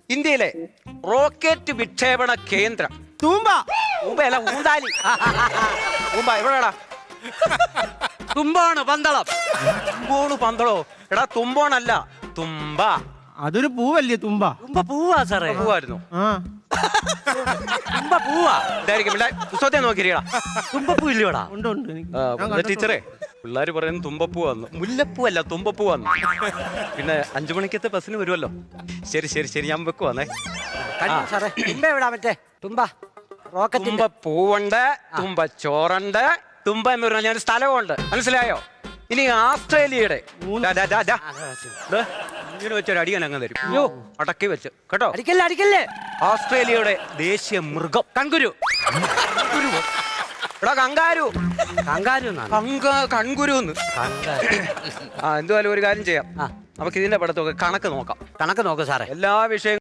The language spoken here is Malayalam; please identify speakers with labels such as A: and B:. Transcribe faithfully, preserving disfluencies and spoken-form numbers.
A: ഇന്ത്യയിലെ റോക്കറ്റ് വിക്ഷേപണ കേന്ദ്രം.
B: തൂമ്പ.
A: തൂമ്പയല്ല, ഊന്താലി. തൂമ്പ എവിടെടാ?
C: തുമ്പാണ് പന്തളം.
A: തുമ്പോണ് പന്തളോ? എടാ തുമ്പോണല്ല, തുമ്പ.
B: അതൊരു പൂവല്ലേ തുമ്പ?
C: തുമ്പ പൂവാ സാറേ.
A: പൂവായിരുന്നു.
B: ആ
C: തുമ്പ പൂവാ.
A: ഇതായിരിക്കും പുസ്തകത്തെ നോക്കിയിരിക്കടാ.
C: തുമ്പപ്പൂ ഇല്ലയോടാ?
B: ഉണ്ട് ഉണ്ട് എനിക്ക് ഞാൻ കണ്ടിട്ടുണ്ട്.
A: ടീച്ചറേ, പിള്ളേര് പറയുന്നത് തുമ്പപ്പൂ വന്നു. മുല്ലപ്പൂ അല്ല, തുമ്പപ്പൂ വന്നു. പിന്നെ അഞ്ചു മണിക്കത്തെ ബസ്സിന് വരുമല്ലോ. ശരി ശരി ശരി, ഞാൻ വെക്കുവാന്നേ.
C: സാറേ തുമ്പ എവിടാ? മറ്റേ തുമ്പ റോക്കറ്റ്.
A: തുമ്പ പൂവുണ്ട്, തുമ്പ ചോറുണ്ട്, തുമ്പ എന്ന് പറഞ്ഞാൽ ഞാൻ സ്ഥലമുണ്ട്. മനസ്സിലായോ? ഇനി ആസ്ട്രേലിയയുടെ ദാ, ദാ, ദാ, ദാ. ദേ, ഇങ്ങനെ വെച്ചൊരു അടിയാൻ അങ്ങ് തരും. അയ്യോ, അടക്കി വെച്ച് കേട്ടോ.
C: അടിക്കല്ലേ അടിക്കല്ലേ.
A: ഓസ്ട്രേലിയയുടെ ദേശീയ മൃഗം
C: കൺകുരു.
A: എടാ കങ്കാരു.
C: കങ്കാരു
A: കങ്ക കൺകുരുന്ന്. ആ എന്തുവായാലും ഒരു കാര്യം ചെയ്യാം. നമുക്ക് ഇതിന്റെ പഠിത്തമൊക്കെ കണക്ക് നോക്കാം.
C: കണക്ക് നോക്ക് സാറേ.
A: എല്ലാ വിഷയങ്ങളും